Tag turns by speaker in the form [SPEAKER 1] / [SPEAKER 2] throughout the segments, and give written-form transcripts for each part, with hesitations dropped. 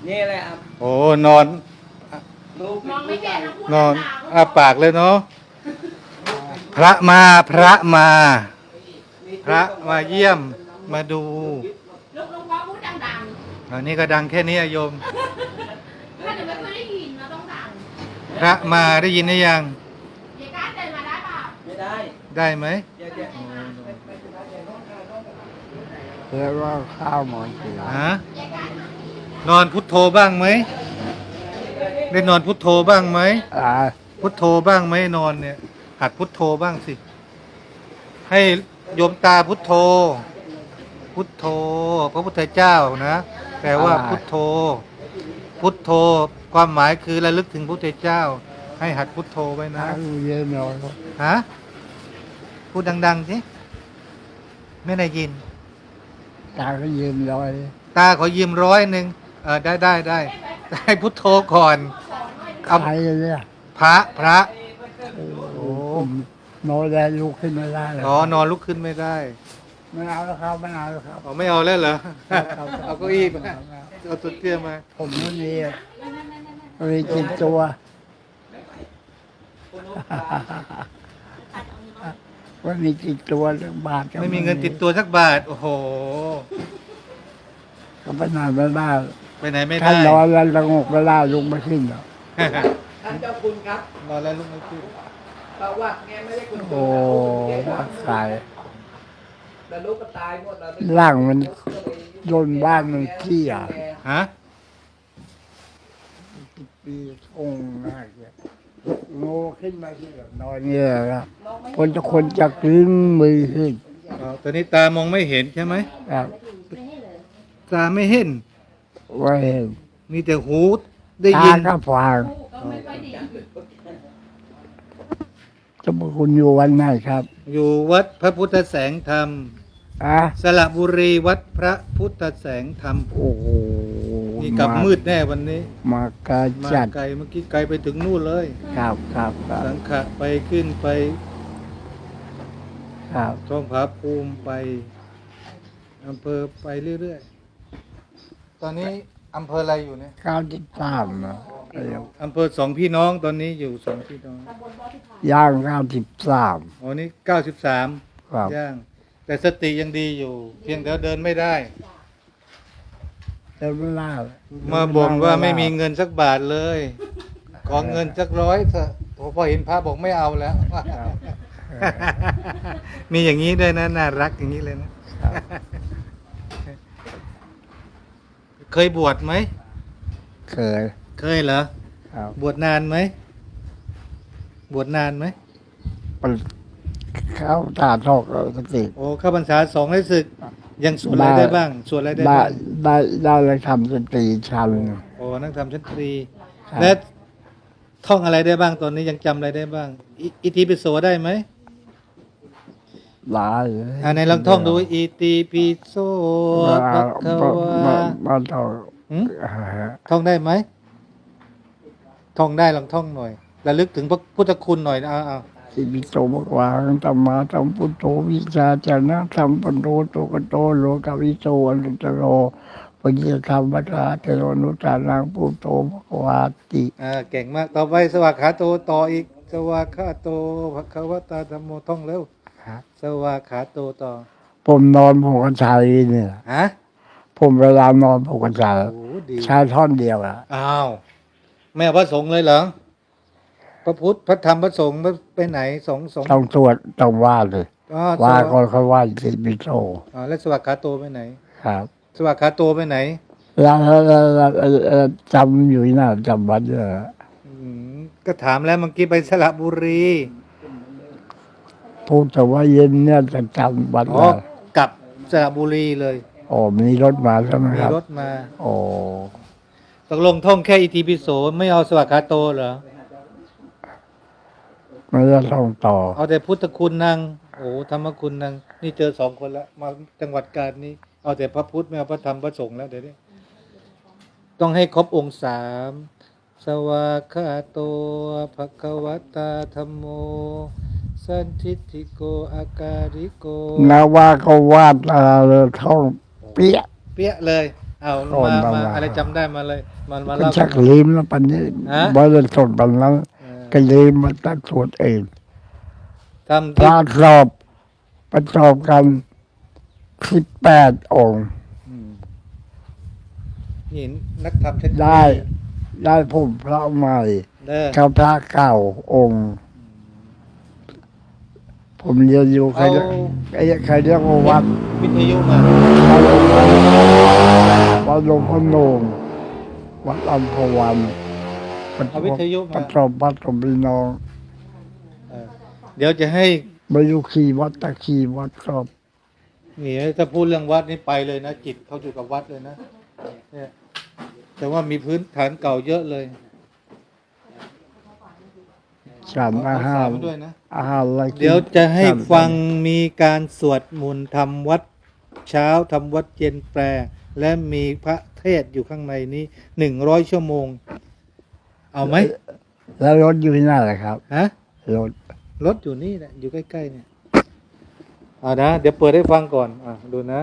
[SPEAKER 1] นี่แหละครับ
[SPEAKER 2] โอ้นอน
[SPEAKER 1] ลูก
[SPEAKER 3] มองไม่เห็นนะพูด
[SPEAKER 2] นอน
[SPEAKER 3] ดังๆ
[SPEAKER 2] อ้าปากเลยเนาะพระมาพระมา พระมาเยี่ยมมาดู
[SPEAKER 3] ลูกพ่อพูดดัง
[SPEAKER 2] อันนี้ก็ดังแค่นี้อะโยม
[SPEAKER 3] ๆถ้าเดี๋ยวไม่ค่อยได้ยินเราต้องดัง
[SPEAKER 2] พระมาได้ยินหรือยัง
[SPEAKER 3] ยายก้านเดินมาได้เปล่า
[SPEAKER 1] ไม่ได้
[SPEAKER 2] ได้ไหม
[SPEAKER 1] เดี๋ยว
[SPEAKER 4] เรียกว่าข้าวหมอนเสีย
[SPEAKER 2] ฮะนอนพุทโธบ้างไหมได้นอนพุทโธบ้างไหม
[SPEAKER 4] อ่า
[SPEAKER 2] พุทโธบ้างไหมนอนเนี่ยหัดพุทโธบ้างสิ ให้โยมตาพุทโธ พุทโธ พระพุทธเจ้านะแปลว่าพุทโธ พุทโธ ความหมายคือระลึกถึงพระพุทธเจ้า ให้หัดพุทโธไว้นะ
[SPEAKER 4] ข้าวเย็นหน่อย
[SPEAKER 2] ฮะพูดดังๆสิไม่ได้ยิน
[SPEAKER 4] ตาก็เย็นลอย
[SPEAKER 2] ตาขอยืม100ได้ให้พุทโธก่อนเอา
[SPEAKER 4] ใครเนี่ย
[SPEAKER 2] พระ
[SPEAKER 4] โอ้ผมนอนแล้วลุกขึ้นไม่ได้เลย
[SPEAKER 2] อ๋อนอนลุกขึ้นไม่ได้
[SPEAKER 4] ไม่เอาแล้วครับไม่เอาแล้วครับ
[SPEAKER 2] อ๋อไม่เอาแล้วเหรอ
[SPEAKER 4] ครับ
[SPEAKER 2] เอาเก้าอี้มาเอาตัวเตี้ยมา
[SPEAKER 4] ผมไม่มีมีกินตัวว่ามีกินตัวเรื่องบาทก็
[SPEAKER 2] ไม่มีเงินติดตัวสักบาท โอ้โห
[SPEAKER 4] ก็ไปนานไม่ได้
[SPEAKER 2] ไปไหนไม่
[SPEAKER 4] ถ้า
[SPEAKER 2] ได้
[SPEAKER 4] นอนแล้วสงบไม่ได้ลุกไม่ขึ้นหรอก
[SPEAKER 1] ท่านเจ้าคุณครับ
[SPEAKER 2] นอนแล้วลุกไม่ขึ้น
[SPEAKER 1] เพราะว่าแกไม่ได้คุณ
[SPEAKER 4] โอ้ว่าตาย
[SPEAKER 1] แต่ลูกก็ตายหมดแล้ว
[SPEAKER 4] ร่างมันโดนบ้านมันเที่ย
[SPEAKER 2] ฮะ
[SPEAKER 4] ปีองค์น่าเกลียดโง่ขึ้นมาที่แบบนอนเนี่ยครับคนจะกลิ้งมือขึ้น
[SPEAKER 2] อ๋อตอนนี้ตามองไม่เห็นใช่ไหม
[SPEAKER 4] ครับ
[SPEAKER 2] ตาไม่เห็น
[SPEAKER 4] ว่าเห็น
[SPEAKER 2] มีแต่หูได้
[SPEAKER 4] ตา
[SPEAKER 2] ยิน
[SPEAKER 4] ก็ฟัง
[SPEAKER 3] ก็ไม่ค่อยดี
[SPEAKER 4] จะบอกคุณอยู่วันไหนครับ
[SPEAKER 2] อยู่วัดพระพุทธแสงธรรม
[SPEAKER 4] อ่ะ
[SPEAKER 2] สระบุรีวัดพระพุทธแสงธรรม
[SPEAKER 4] โอ้โห
[SPEAKER 2] นี่กลับมืดแน่วันนี้
[SPEAKER 4] มากา
[SPEAKER 2] มา
[SPEAKER 4] จัด
[SPEAKER 2] ไกลเมื่อกี้ไกลไปถึงนู่นเลย
[SPEAKER 4] ครับครับครับ
[SPEAKER 2] สังขะไปขึ้นไป
[SPEAKER 4] ครับ
[SPEAKER 2] ท้องผาภูมิไปอำเภอไปเรื่อยๆ ตอนนี้อำเภออะไรอยู่เนี่ย
[SPEAKER 4] 93นะ
[SPEAKER 2] อำเภอสองพี่น้องตอนนี้อยู่สองพี่น้อง
[SPEAKER 4] ย่าง93
[SPEAKER 2] อ๋อนี่93
[SPEAKER 4] ครับ
[SPEAKER 2] ย่าง แต่สติยังดีอยู่ เพียงแต่เดินไม่ได้
[SPEAKER 4] แต่ไม่ได้
[SPEAKER 2] มาบ่นว่าไม่มีเงินสักบาทเลย ขอเงินสัก100เถอะพอเห็นพระบอกไม่เอาแล้ว มีอย่างนี้ด้วยนะน่ารักอย่างนี้เลยนะ
[SPEAKER 4] ครับ
[SPEAKER 2] เคยบวชไหม
[SPEAKER 4] เคย
[SPEAKER 2] เคยเหรอ
[SPEAKER 4] ครับ
[SPEAKER 2] บวชนานไหม บวชนานไหม
[SPEAKER 4] เข้าตาทอกสติ
[SPEAKER 2] โอ้เข้าพรรษา2ได้ศึก ยังสวดอะไรได้บ้าง สวดอะไรได้
[SPEAKER 4] ได้
[SPEAKER 2] บ้าง
[SPEAKER 4] ได้เลยทำสติชัน
[SPEAKER 2] โอ้นั่งทำชั้นตรี
[SPEAKER 4] ครับ
[SPEAKER 2] และท่องอะไรได้บ้างตอนนี้ยังจำอะไรได้บ้าง อิติปิโสได้ไหม
[SPEAKER 4] หลาย
[SPEAKER 2] ในลองท่องดูอิติปิโสภะคะวะ
[SPEAKER 4] มาต่อ
[SPEAKER 2] หืมท่องได้ไหม ท่องได้ลองท่องหน่อยระลึกถึงพระพุทธคุณหน่อยนะเอา
[SPEAKER 4] สิบิโตมกวางธรรมาธรรมพุทโธวิชาจนะธรรมปัญโนโตกโตโลกวิโตอนุตตโรปัญญธรรมวัฏฏะเทโรนุตตานังพุทโธมกวาติ
[SPEAKER 2] เก่งมาก ต่อไปสวากขาโตต่ออีก สวากขาโตภะคะวะตาธัมโมท่องเร็ว
[SPEAKER 4] ครับ
[SPEAKER 2] สวากขาโตต่อ
[SPEAKER 4] ผมนอนผมก็ใช้เนี่ย
[SPEAKER 2] ฮะ
[SPEAKER 4] ผมเวลานอนผมก็ใช้
[SPEAKER 2] โอ้ดี
[SPEAKER 4] ใช้ท่อนเดียวอะ
[SPEAKER 2] อ้าวไม่เอาพระสงฆ์เลยเหรอ พระพุทธ พระธรรม พระสงฆ์ไปไหนสอง
[SPEAKER 4] ต้องตรวจต้องว่าเลย
[SPEAKER 2] อ๋อ
[SPEAKER 4] ว่าก่อนเขาว่าสิบิโต
[SPEAKER 2] อ๋อแล้วสวากขาโตไปไหน
[SPEAKER 4] ครับ
[SPEAKER 2] สวากขาโตไปไหน
[SPEAKER 4] แล้วจำอยู่น่าจำวัดเยอะ
[SPEAKER 2] อืมก็ถามแล้วเมื่อกี้ไปสระบุรี
[SPEAKER 4] พูดแต่ว่าเย็นเนี่ยจะจำวัด
[SPEAKER 2] อ๋อ
[SPEAKER 4] ได้
[SPEAKER 2] กลับสระบุรีเลย
[SPEAKER 4] โอ้มีรถมาใช่ไหม
[SPEAKER 2] มี
[SPEAKER 4] ครับ
[SPEAKER 2] รถมา
[SPEAKER 4] โอ้
[SPEAKER 2] ตกลงท่องแค่อิติปิโสไม่เอาสวากขาโตเหรอ
[SPEAKER 4] ไม่ได้ท่องต่อ
[SPEAKER 2] เอาแต่พุทธคุณนางโอ้ธรรมคุณนางนี่เจอ2 คนแล้วมาจังหวัดกาญนี้ เอาแต่พระพุทธไม่เอาพระธรรมพระสงฆ์แล้วเดี๋ยวนี้ต้องให้ครบองค์3สวากขาโตภะคะวะตาธัมโมสันทิฏฐิโกอาการิโก
[SPEAKER 4] นาว่าก็วาดเลยท่องเปี้ย
[SPEAKER 2] เปี้ยเลยเอา
[SPEAKER 4] ก่อน
[SPEAKER 2] มา
[SPEAKER 4] มา
[SPEAKER 2] อะไรจำได้มาเลยมันมา
[SPEAKER 4] ก็
[SPEAKER 2] เล่า
[SPEAKER 4] ชักลืมแล้วปันนี้
[SPEAKER 2] ฮะ
[SPEAKER 4] บริสุทธิ์ปันนั้น
[SPEAKER 2] เออ
[SPEAKER 4] ก็ลืมมาตั้งสวดเอง
[SPEAKER 2] ทำ
[SPEAKER 4] พ
[SPEAKER 2] ที่
[SPEAKER 4] ระสอบประกอบกัน18 องค์
[SPEAKER 2] อืมนี่นักธรรมเทคโนโลยี
[SPEAKER 4] ได้ผมพระใหม่
[SPEAKER 2] เด้อ
[SPEAKER 4] กับพระเก่าองค์ ผมเรียนอยู่ใคร
[SPEAKER 2] เอา
[SPEAKER 4] ใครเรียกว่าวัด
[SPEAKER 2] วิทยุมา
[SPEAKER 4] วัดหลวงพ่อโนมวัดอัมพวัน
[SPEAKER 2] เอาวิทยุ
[SPEAKER 4] ป
[SPEAKER 2] มา
[SPEAKER 4] ระจบวัดกับพี่น้อง
[SPEAKER 2] เออเดี๋ยวจะให้
[SPEAKER 4] มาอยู่ขี่วัดตะขี่วัดครับ
[SPEAKER 2] นี่ถ้าพูดเรื่องวัดนี่ไปเลยนะ จิตเขาอยู่กับวัดเลยนะเนี่ยแต่ว่ามีพื้นฐานเก่าเยอะเลย
[SPEAKER 4] ฉันอาหาร
[SPEAKER 2] เสมด้วยนะ
[SPEAKER 4] อาหารอะไรกิน
[SPEAKER 2] เดี๋ยวจะให้
[SPEAKER 4] ฉัน
[SPEAKER 2] ฟังมีการสวดมนต์ทำวัดเช้าทำวัดเย็นแปล และมีพระเทศน์อยู่ข้างในนี้100 ชั่วโมง เอาไหม
[SPEAKER 4] แล้วรถอยู่ที่ไหนล่ะครับ
[SPEAKER 2] ฮะ
[SPEAKER 4] รถ
[SPEAKER 2] รถอยู่นี่แหละอยู่ใกล้ๆเนี่ยเอานะเดี๋ยวเปิดให้ฟังก่อนดูนะ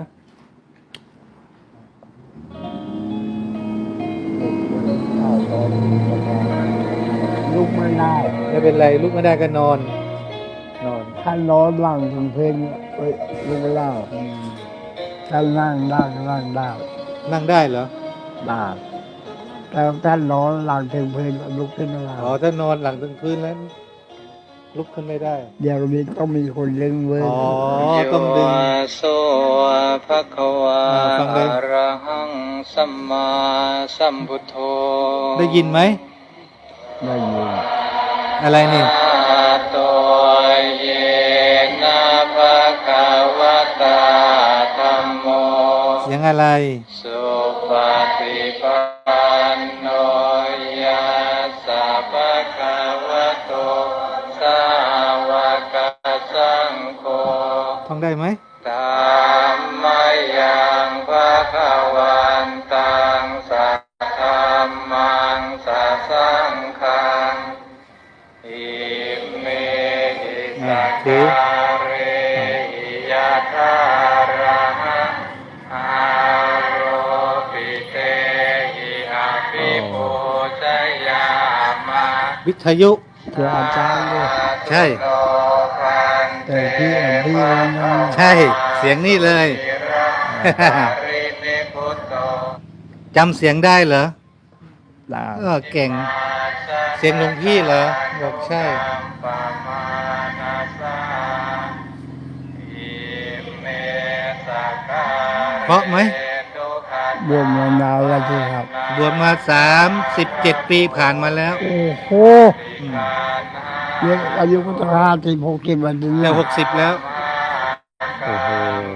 [SPEAKER 4] ลุกไม่ได้
[SPEAKER 2] ไม่เป็นไรลุกไม่ได้ก็นอน
[SPEAKER 4] ถ้านอนหลังถึงเพลงลุกไม่ได้ถ้านั่งได้ก็นั่งได้
[SPEAKER 2] นั่งได้เหรอ
[SPEAKER 4] ได้แต่ถ้านอนหลังถึงเพลงลุกขึ้นไม่ได้
[SPEAKER 2] อ๋อถ้านอนหลังถึงพื้นแล้วลุกขึ้นไม่ได้
[SPEAKER 4] เดี๋ยวนี้ต้องมีคนเลี้ยงเว้ย
[SPEAKER 2] อ๋อต้องดึง
[SPEAKER 5] โสภะคะวา
[SPEAKER 2] ฟังเลย
[SPEAKER 5] อะระหังสัมมาสัมพุทโธ
[SPEAKER 2] ได้ยินไหม
[SPEAKER 4] ได้ยิน
[SPEAKER 2] อะไรนี่
[SPEAKER 5] อะโตเยนะภะคะวะตาธัมโม
[SPEAKER 2] เสียงอะไร
[SPEAKER 5] สุปฏิปันโนยัสสะภะคะวะโตสาวกสังโฆ
[SPEAKER 2] ท่องได้ไหม
[SPEAKER 5] ธัมมายังภะคะวันตังสัทธัมมังสัสสังฆังอิเมหิสักการเรหิยะทาระหะอาโรปิเตหิอาภิปูชยามะ
[SPEAKER 2] วิทยุ
[SPEAKER 4] เจออาจารย์ด้วย
[SPEAKER 2] ใช่
[SPEAKER 5] โลคันเต
[SPEAKER 4] แต่ที่นั้นนะ
[SPEAKER 2] ใช่เสียงนี่เลย
[SPEAKER 5] รินิพุตโต
[SPEAKER 2] จำเสียงได้เหรอ
[SPEAKER 4] ได้
[SPEAKER 2] เก่ง เสียงหลวงพี่เหรอบอกใช่
[SPEAKER 5] ปะมานาสาอิเมสกา
[SPEAKER 2] เพราะไหม
[SPEAKER 5] ตุขัน
[SPEAKER 4] บวมมานานแล้วที่ครับ
[SPEAKER 2] บวชมา37 ปีผ่านมาแล้ว
[SPEAKER 4] โอ้โห
[SPEAKER 2] อืม
[SPEAKER 4] เยอะอายุก็ต้อง50-60วันนี้
[SPEAKER 2] แต่60 แล้ว
[SPEAKER 4] โอ้โห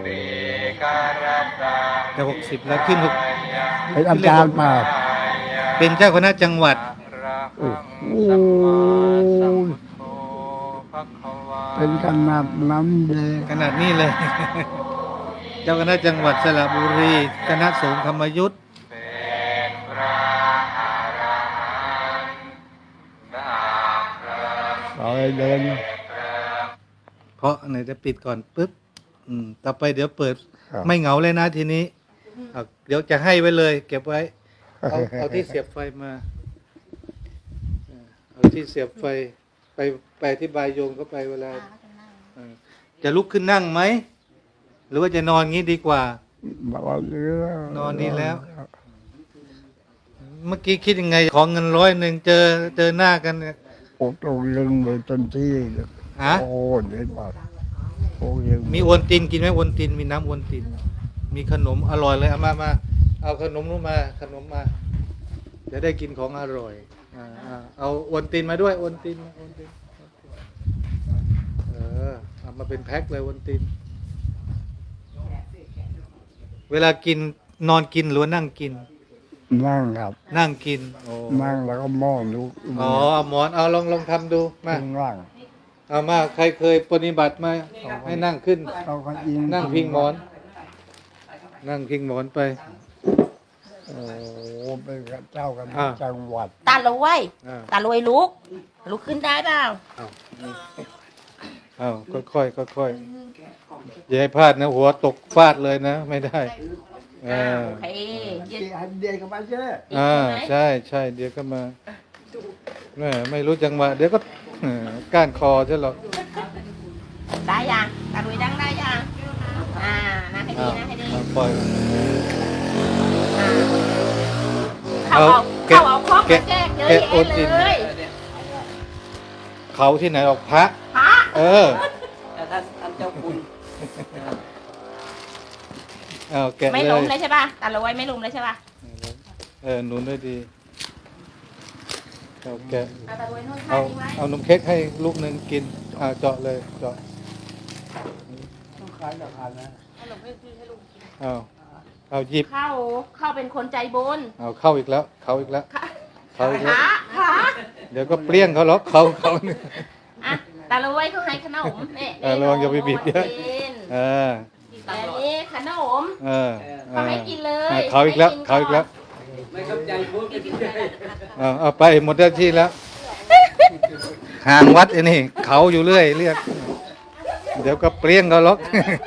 [SPEAKER 2] แต่60 แล้วขึ้น
[SPEAKER 4] เป็นอาจารย์เปล่า
[SPEAKER 2] เป็นเจ้าคณะจังหวัด
[SPEAKER 4] โอ้โหเป็นขนาดนั้นเลย
[SPEAKER 2] ขนาดนี้เลย เจ้าคณะจังหวัดสระบุรีคณะสงฆ์ธรรมยุทธ
[SPEAKER 5] เป็นพระอรหันต์ดับเพลิง
[SPEAKER 4] เอาให้เดิน
[SPEAKER 2] เพราะไหนจะปิดก่อนปุ๊บต่อไปเดี๋ยวเปิด
[SPEAKER 4] ครับ
[SPEAKER 2] ไม่เหงาเลยนะทีนี้เดี๋ยวจะให้ไว้เลย เก็บไว้ เอาที่เสียบไฟมาเอาที่เสียบไฟไปที่บายโยงเข้าไปเวลาจะลุกขึ้นนั่งไหมหรือว่าจะนอนงี้ดีกว่า
[SPEAKER 4] บอกว่าเรื่อง
[SPEAKER 2] นอนดีแล้ว เมื่อกี้คิดยังไง ขอเงิน100เจอหน้ากันเนี่ย
[SPEAKER 4] โอ้ตรงลึงไปจนที่
[SPEAKER 2] ฮะ
[SPEAKER 4] โอ้เด็ดมากโอ้ยัง
[SPEAKER 2] มีโอนตินกินไหมโอนตินมีน้ำโอนติน มีขนมอร่อยเลยเอามาเอาขนมนู้นมาขนมมาจะได้กินของอร่อยเอาโอนตินมาด้วยโอนตินเอามาเป็นแพ็คเลยโอนติน เวลากินนอนกินหรือว่านั่งกิน
[SPEAKER 4] นั่งครับ
[SPEAKER 2] นั่งกินโอ้
[SPEAKER 4] นั่งแล้วก็มองลูก
[SPEAKER 2] อ๋อเอาหมอนเอาลองทำดูมา
[SPEAKER 4] ข้างล่าง
[SPEAKER 2] เอามาใครเคยปฏิบัติมาให้นั่งขึ้น
[SPEAKER 4] เอาก็อิง
[SPEAKER 2] นั่งพิงหมอน นั่งพิงหมอนไป
[SPEAKER 4] โอ้เป็นเจ้ากัน
[SPEAKER 2] อ่า
[SPEAKER 4] จังหวัด
[SPEAKER 3] ตาลอย
[SPEAKER 2] อ่า
[SPEAKER 3] ตาลอยลุกขึ้นได้เปล่า
[SPEAKER 2] เอาค่อยๆอย่าให้พลาดนะ หัวตกฟาดเลยนะ ไม่ได้เอ
[SPEAKER 3] อ่า
[SPEAKER 2] อ
[SPEAKER 3] โอเคเย็น
[SPEAKER 4] เดียกับมาเช่
[SPEAKER 2] อ่าใช่ใช่เดี๋ยวก็มาแม่ไม่รู้จังหวะเดี๋ยวก็ก้านคอใช่หรอก
[SPEAKER 3] ได้ยังตาลุยดังได้ยังนะให้ดีนะให้ดี
[SPEAKER 2] ปล่อย
[SPEAKER 3] เข้าเอาคอกมาแจกเยอะแยะเลย
[SPEAKER 2] เขาที่ไหนออกพระ
[SPEAKER 3] พระ
[SPEAKER 2] เออ
[SPEAKER 1] แต่ท่านเจ้าคุณ
[SPEAKER 2] เอาแกะ
[SPEAKER 3] ไม่
[SPEAKER 2] เล
[SPEAKER 3] ล้ม
[SPEAKER 2] ย
[SPEAKER 3] เลยใช่ป่ะตาลุยไม่ล้มเลยใช่ป่ะ
[SPEAKER 2] หนุนด้วยดีเอาแกะ
[SPEAKER 3] ตาลุยนู่นท่า
[SPEAKER 2] เอา
[SPEAKER 3] นี้ไว้
[SPEAKER 2] เอานมเค้กให้ลูกหนึ่งกินเจาะเลยเจาะ
[SPEAKER 4] ต้องขายราคานะ
[SPEAKER 2] เอาหยิบ
[SPEAKER 3] เข้าเป็นคนใจบุญ
[SPEAKER 2] เอาเข้าอีกแล้วเข้าอีกแล้ว
[SPEAKER 3] ค่ะ
[SPEAKER 2] เข้าอีกแล้ว
[SPEAKER 3] พระ
[SPEAKER 2] เดี๋ยวก็เปรี้ยงเขาหรอกเขาเนี่ย
[SPEAKER 3] อ่ะตาลุยเขาให้ขนมเนี่ย
[SPEAKER 2] ระวังอย่าไปบีบเยอะ เออ
[SPEAKER 3] แต่นี่ขนม
[SPEAKER 2] เออ
[SPEAKER 3] เขาให้กินเลย
[SPEAKER 2] เขาอีกแล้วเขาอีกแล้ว
[SPEAKER 1] ไม่เข้าใจพูดกันที่ไหน
[SPEAKER 2] เอาไปหมดหน้าที่แล้วห่างวัดไอ้นี่เขาอยู่เรื่อยเรียกเดี๋ยวก็เปรี้ยงเขาหรอก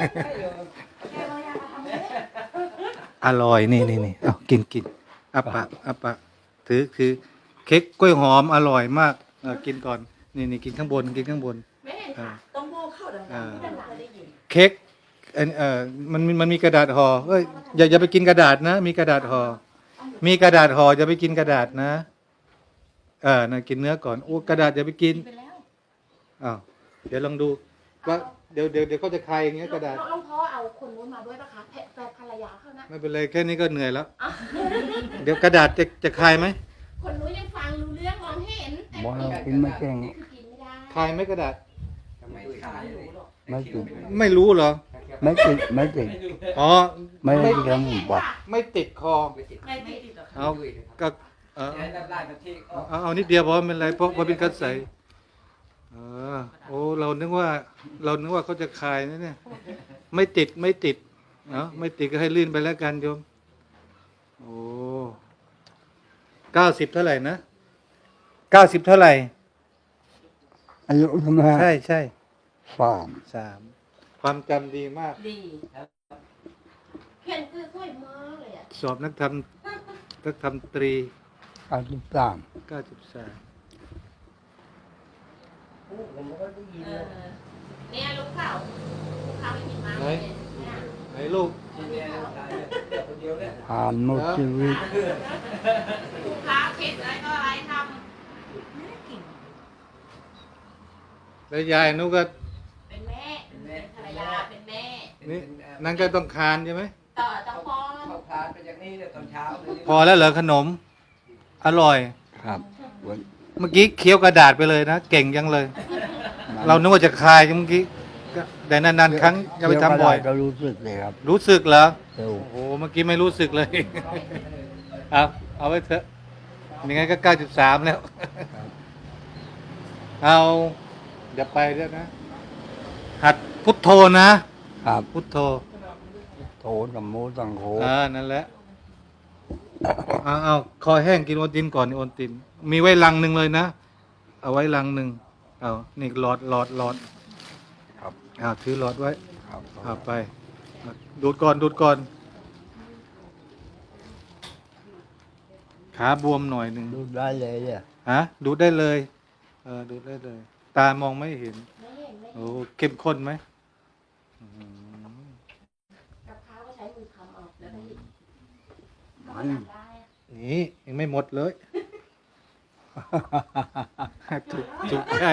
[SPEAKER 2] อร่อยนี่เอากินอัปปะถือเค้กกล้วยหอมอร่อยมากกินก่อนนี่กินข้างบนกินข้างบน
[SPEAKER 3] ไม่เห็นค่ะต้องโบเข้าดังๆที่ดังๆได้ยิน
[SPEAKER 2] เค้กมันมีกระดาษห่อเอ้ยอย่าไปกินกระดาษนะมีกระดาษห่อมีกระดาษห่ออย่าไปกินกระดาษนะน่ะกินเนื้อก่อนโอ้กระดาษอย่าไปกิน
[SPEAKER 3] ไปแล้ว
[SPEAKER 2] อ้าวเดี๋ยวลองดูว่าเดี๋ยวเขาจะคายอย่างเงี้ยกระดาษ
[SPEAKER 3] หลวงพ่อเอาคนนู้นมาด้วยปะคะแฟนภรรยาเขานะ
[SPEAKER 2] ไม่เป็นไรแค่นี้ก็เหนื่อยแล้ว
[SPEAKER 3] อ่ะ
[SPEAKER 2] เดี๋ยวกระดาษจะคายไหม
[SPEAKER 3] คนนู้นยังฟังรู้เรื่องมองเห็นแต่
[SPEAKER 4] บอกเรากินไม่เก่ง
[SPEAKER 3] กินไม่ได้
[SPEAKER 2] คายไหมกระดาษ
[SPEAKER 1] ไม่ขายเลย
[SPEAKER 4] ไม่ติด
[SPEAKER 2] ไม่รู้เหรอ
[SPEAKER 4] ไม่ติดไม่ติด
[SPEAKER 2] อ๋อ
[SPEAKER 4] ไม่ได้กินหมูบอก
[SPEAKER 2] ไม่ติดคอ
[SPEAKER 1] ไม่ติด
[SPEAKER 3] ไม่ติดหรอก
[SPEAKER 2] เอาก็เออ
[SPEAKER 1] ให้น้ำลายมาที่ก็
[SPEAKER 2] เอานิดเดียวเพราะไม่เป็นไรเพราะเป็นกัดใสโอ้เรานึกว่าเขาจะคายนะเนี่ยไม่ติดเนาะไม่ติดก็ให้ลื่นไปแล้วกันโยมโอ้90เท่าไหร่นะ90เท่าไหร่
[SPEAKER 4] อายุทำไม
[SPEAKER 2] ใช่
[SPEAKER 4] สาม
[SPEAKER 2] 3ความจำดีมาก
[SPEAKER 3] ดีเขียนคือสวยมากเลยอ่ะ
[SPEAKER 2] สอบนักธรรมตรี
[SPEAKER 4] อายุสาม
[SPEAKER 2] 93
[SPEAKER 1] ผมก็ได้ยิน
[SPEAKER 3] เนี่ยลูกเขาไม่กินมากเลยเนี่ย
[SPEAKER 2] ไหนลูก
[SPEAKER 1] ที่เนี่ยตายเนี่ยคนเดียวเนี่ย
[SPEAKER 4] ผ่านหมดชีวิต
[SPEAKER 3] ลูกค้าเผ็ดอะไรก็อะไรท
[SPEAKER 2] แล้วยายนุก็
[SPEAKER 3] ำเป็นแม่เป็นภรรยาเป็นแม่
[SPEAKER 2] นี่นั่นก็ต้องคานใช่ไหม
[SPEAKER 3] ต่อต้องป้อน
[SPEAKER 1] เขาทานไปอย่างนี้เนี่ยตอนเช้าเลย
[SPEAKER 2] พอแล้วเหรอขนม อร่อย
[SPEAKER 4] ครับ
[SPEAKER 2] เมื่อกี้เคี้ยวกระดาษไปเลยนะ เก่งยังเลย เรานึกว่าจะคายเมื่อกี้ก็แต่นานๆครั้งอย่าไปทำบ่อย
[SPEAKER 4] ก็รู้สึกเลยครับ
[SPEAKER 2] รู้สึกเหรอ
[SPEAKER 4] เร็ว
[SPEAKER 2] โอ้โหเมื่อกี้ไม่รู้สึกเลย เอาไว้เถอะยังไงก็93แล้ว เอาเดี๋ยวไปเดี๋ยวนะ หัดพุทโธนะครับ พุทโธ
[SPEAKER 4] โถสัมโมสังโฆ
[SPEAKER 2] นั่นแหละเอาคอแห้งกินโอนตินก่อนนี่โอนติน มีไว้ลังหนึ่งเลยนะ เอาไว้ลังหนึ่งเอานี่หลอด
[SPEAKER 4] ครับ
[SPEAKER 2] ถือหลอดไว้
[SPEAKER 4] ครับ
[SPEAKER 2] เอาไปดูดก่อนขาบวมหน่อยหนึ่ง
[SPEAKER 4] ดูได้เลยอ่ะ
[SPEAKER 2] ดูดได้เลยดูดได้เลย ตามองไม่เห็น
[SPEAKER 3] ไม่เห็นไม่
[SPEAKER 2] โอ้เข้มข้นไหม
[SPEAKER 3] กับข้าวก็ใช้มือทำเอาแล้วก็หยิบ
[SPEAKER 4] มัน
[SPEAKER 3] ได้อะ
[SPEAKER 2] นี่ยังไม่หมดเลย ถูกใจ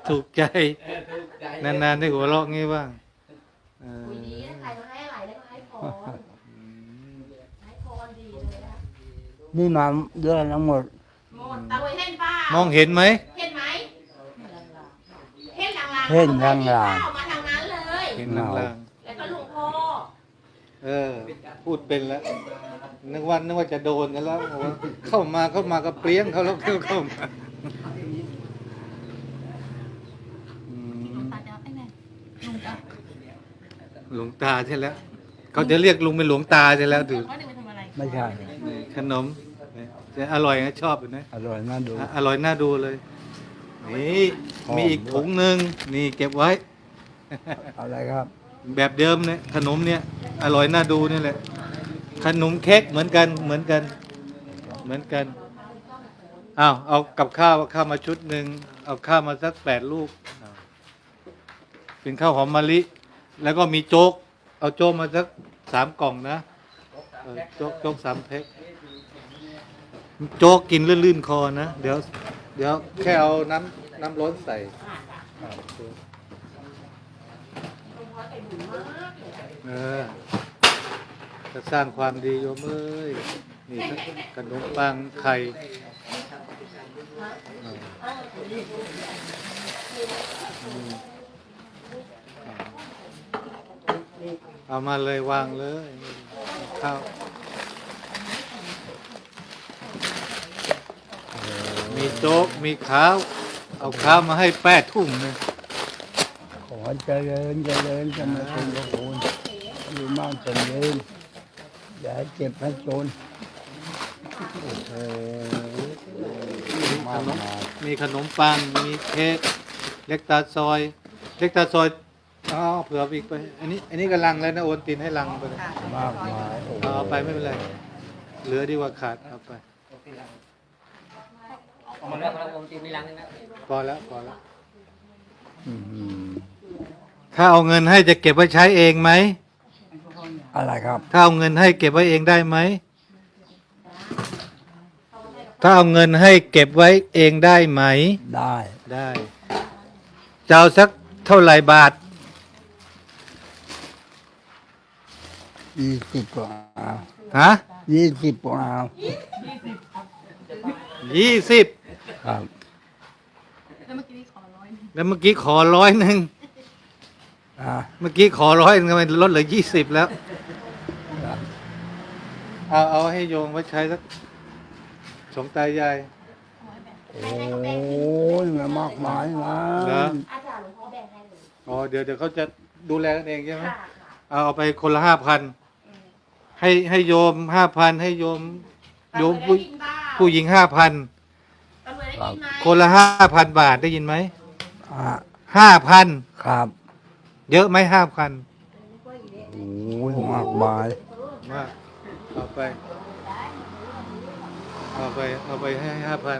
[SPEAKER 2] นานๆได้หัวเราะงี้บ้าง
[SPEAKER 3] คุยดีนะใครมาให้อะไรแล้วก็ให้พรให้พรดีเลยนะ
[SPEAKER 4] นี่มาเยอะทั้งหมด
[SPEAKER 3] หมดตาลุยเห็นเปล่าม
[SPEAKER 2] องเห็นไหม
[SPEAKER 3] เห็นไหมเห็นลางๆ
[SPEAKER 4] เห็นลางๆ
[SPEAKER 3] เข้ามาทางนั้นเลย
[SPEAKER 2] เห็นลาง
[SPEAKER 3] แล้วก็หลวงพ่อ
[SPEAKER 2] พูดเป็นแล้วนึกว่าจะโดนกันแล้วบอกว่าเข้ามาก็เปรี้ยงเขาแล้วเข้ามาหลวงตาใช่แล้วเขาจะเรียกลุงเป็นหลวงตาใช่แล้วดู
[SPEAKER 4] ไม่ใช่
[SPEAKER 2] ขนมจะอร่อยนะชอบอยู่นะ
[SPEAKER 4] อร่อยน่าดู
[SPEAKER 2] อร่อยน่าดูเลยนี่มีอีกถุงหนึ่งนี่เก็บไว้
[SPEAKER 4] อะไรครับ
[SPEAKER 2] แบบเดิมเนี่ยขนมเนี่ยอร่อยน่าดูนี่แหละขนมเค้กเหมือนกันเหมือนกันเหมือนกันอ้าวเอากับข้าวมาชุดหนึ่งเอาข้าวมาสัก8 ลูกเป็นข้าวหอมมะลิแล้วก็มีโจ๊กเอาโจ๊กมาสัก3 กล่องนะโจ๊ก3 แพ็คโจ๊กกินลื่นๆคอนะเดี๋ยวแค่เอาน้ำร้อนใส่จะสร้างความดีโยมเอ้ยนี่ขนมปังไข่เอามาเลยวางเลยข้าวมีโจ๊กมีข้าวเอาข้าวมาให้8 ทุ่มเลย
[SPEAKER 4] ขอเจริญเจริญจะมาคุณพระคุณอยู่มากจนยืนอย่าให้เจ็บให้จน
[SPEAKER 2] มีขนมปังมีเค้กเล็กตาซอยเผื่ออีกไปอันนี้กำลังแล้วนะโอนตินให้ลังไปเลย
[SPEAKER 4] มากมาย
[SPEAKER 2] เอาไปไม่เป็นไรเหลือดีกว่าขาดเอาไป
[SPEAKER 1] เอามาแล้วผมตีไม่ล้างนะ
[SPEAKER 2] พอแล้วถ้าเอาเงินให้จะเก็บไว้ใช้เองไหม
[SPEAKER 4] อะไรครับ
[SPEAKER 2] ถ้าเอาเงินให้เก็บไว้เองได้ไหมถ้าเอาเงินให้เก็บไว้เองได้ไหมได้จะเอาสักเท่าไหร่บาท
[SPEAKER 4] 20 กว่า
[SPEAKER 2] ฮะ
[SPEAKER 4] 20 กว่า
[SPEAKER 2] 20
[SPEAKER 4] ครับ
[SPEAKER 2] แล้วเมื่อกี้ขอ100เมื่อกี้ขอ100ทำไมลดเหลือ20แล้วเอาให้โยงไว้ใช้สัก2 ตายาย
[SPEAKER 4] โอ้ยมันมากมายนะ
[SPEAKER 2] เหรอ
[SPEAKER 3] อาจารย์หลวงพ่อแบ่งให้เลย
[SPEAKER 2] อ๋อเดี๋ยวเขาจะดูแลกันเองใช่ไหม
[SPEAKER 3] ค่ะ
[SPEAKER 2] เอาไปคนละ5,000ให้โยม5,000ให้โยมผู้หญิง5,000
[SPEAKER 3] ตำรวจได้ยินไหม
[SPEAKER 2] คนละ5,000 บาทได้ยินไหม 5,000
[SPEAKER 4] ครับ
[SPEAKER 2] เยอะไหม5,000
[SPEAKER 4] โอ้ยมากมาย
[SPEAKER 2] มากเอาไปให้5,000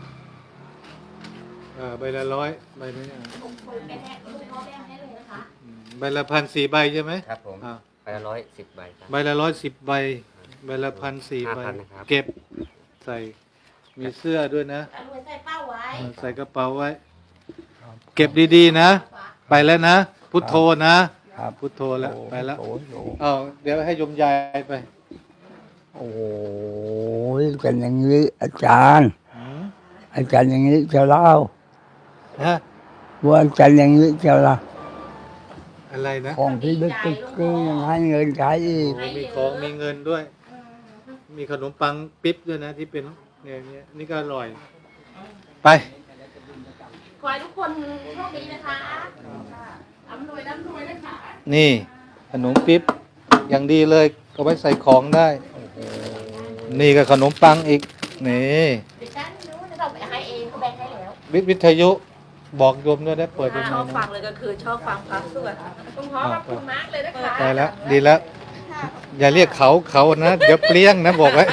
[SPEAKER 2] ใบละ100ใบนี้
[SPEAKER 3] แบ่งให้หลวงพ่อแบ่งให้เลยนะคะ
[SPEAKER 2] ใบละ1,004 ใบใช่ไหม
[SPEAKER 1] ครับผม
[SPEAKER 2] อ่า
[SPEAKER 1] ไป110 ใบครับ
[SPEAKER 2] ใบละ110 ใบใบละ1,004 ใบ
[SPEAKER 1] 5,000นะครับ
[SPEAKER 2] เก็บใส่มีเสื้อด้วยนะ
[SPEAKER 3] ตำรวจใส่เป้าไว้
[SPEAKER 2] ใส่กระเป๋าไว้ เก็บดีๆนะ ไปแล้วนะ พุทโธนะครับ พุทโธแล้วไปแล้ว
[SPEAKER 4] โอ้โห
[SPEAKER 2] เอาเดี๋ยวให้โยมยายไป
[SPEAKER 4] โอ้ยกันอย่างนี้อาจารย์อย่างนี้จะเล่า
[SPEAKER 2] ฮะ
[SPEAKER 4] ว่าอาจารย์อย่างนี้จะเล่า
[SPEAKER 2] อะไรนะ
[SPEAKER 4] ของที่ลึกคือยังให้เงินใช้อีก
[SPEAKER 2] โอ้มีของมีเงินด้วย มีขนมปังปิ๊บด้วยนะที่เป็นเนี่ยนี่ก็อร่อย ไป
[SPEAKER 3] ขอให้ทุกคนโชคดีนะคะร่ำรวยนะคะ
[SPEAKER 2] นี่ขนมปิ๊บอย่างดีเลยเอาไว้ใส่ของได้ นี่ก็ขนมปังอีกนี่
[SPEAKER 3] เดี๋ยวฉันรู้จะต้องไปให้เองเขาแบ่งให้แล้ว
[SPEAKER 2] วิทยุบอกโยมด้วยได้เปิดยังไง
[SPEAKER 3] ชอบฟั
[SPEAKER 2] นะ
[SPEAKER 3] งเลยก็คือชอบฟังพระสวดหลวงพ่อขอบคุณมากเลยนะคะ
[SPEAKER 2] ได้แล้วดีแล้ว อย่าเรียกเขานะ เดี๋ยวเปรี้ยงนะบอกไว้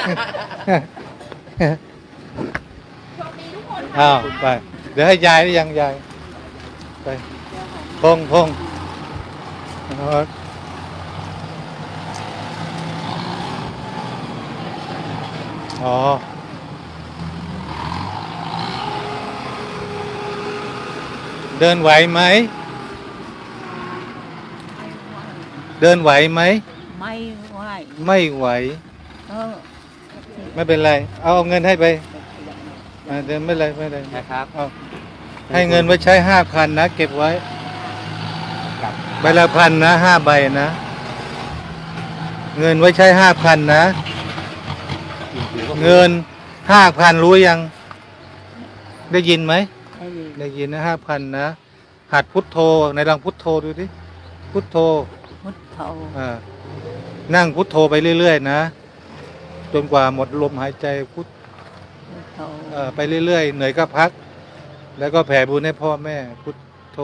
[SPEAKER 3] โชคดีทุกคน
[SPEAKER 2] อ้าวไป เดี๋ยวให้ยายได้ยังยายไปพงอ๋อเดินไหวไหมเดินไหวไหม
[SPEAKER 6] ไม่ไหว
[SPEAKER 2] ไม่ไหว
[SPEAKER 6] เออ
[SPEAKER 2] ไม่เป็นไรเอาเงินให้ไปเดินไม่เป็นไร
[SPEAKER 1] นะครับ
[SPEAKER 2] เอาให้เงินไว้ใช้5,000นะเก็บไว้ใบละ1,000นะ5 ใบนะเงินไว้ใช้5,000นะเงิน5,000รู้ยังได้ยินไหม
[SPEAKER 6] ให้ดี
[SPEAKER 2] ได้ยินนะ5,000นะหัดพุทโธในลองพุทโธดูดิพุทโธ
[SPEAKER 6] พุทโธ
[SPEAKER 2] นั่งพุทโธไปเรื่อยๆนะจนกว่าหมดลมหายใจพุท
[SPEAKER 6] พุทโธ
[SPEAKER 2] ไปเรื่อยๆเหนื่อยก็พัก แล้วก็แผ่บุญให้พ่อแม่พุทโธ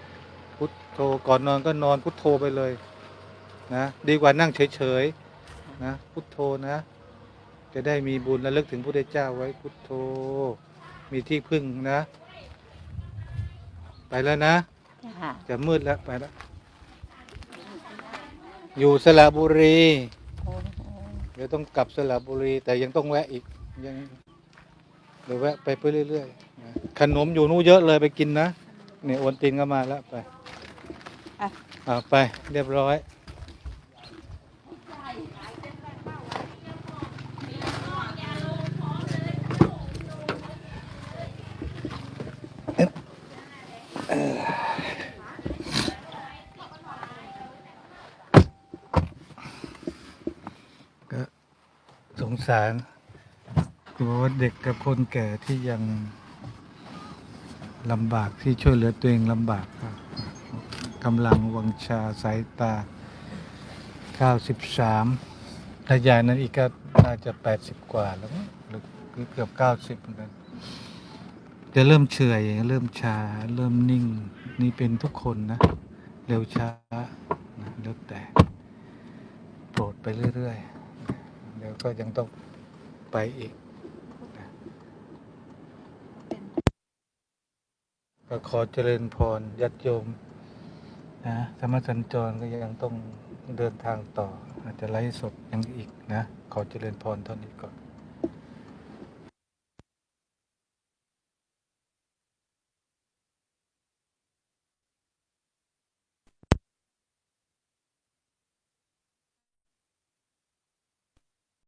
[SPEAKER 2] พุทโธก่อนนอนก็นอนพุทโธไปเลยนะดีกว่านั่งเฉยนะพุทโธนะ จะได้มีบุญระลึกถึงพระพุทธเจ้าไว้พุทโธ มีที่พึ่งนะ ไปแล้วนะ
[SPEAKER 6] จ้า
[SPEAKER 2] จะมืดแล้วไปแล้ว อยู่สระบุรี
[SPEAKER 6] โอ้โห
[SPEAKER 2] เดี๋ยวต้องกลับสระบุรี แต่ยังต้องแวะอีกยังเดี๋ยวแวะไปเรื่อยๆนะขนมอยู่นู้นเยอะเลยไปกินนะเนี่ยโอนตินก็มาแล้วไปไปเรียบร้อยก็สงสารคือว่าเด็กกับคนแก่ที่ยังลำบากที่ช่วยเหลือตัวเองลำบากครับกำลังวังชาสายตา 93ถ้ายายนั้นอีกก็น่าจะ80 กว่าแล้วมั้งหรือเกือบ90เหมือนกันจะเริ่มเฉื่อยเริ่มชาเริ่มนิ่งนี่เป็นทุกคนนะ เร็วช้านะแล้วแต่โปรดไปเรื่อยๆเดี๋ยวก็ยังต้องไปอีกนะก็ขอเจริญพรญาติโยมนะธรรมสัญจรก็ยังต้องเดินทางต่ออาจจะไลฟ์สดยังอีกนะ ขอเจริญพรเท่านี้ก่อน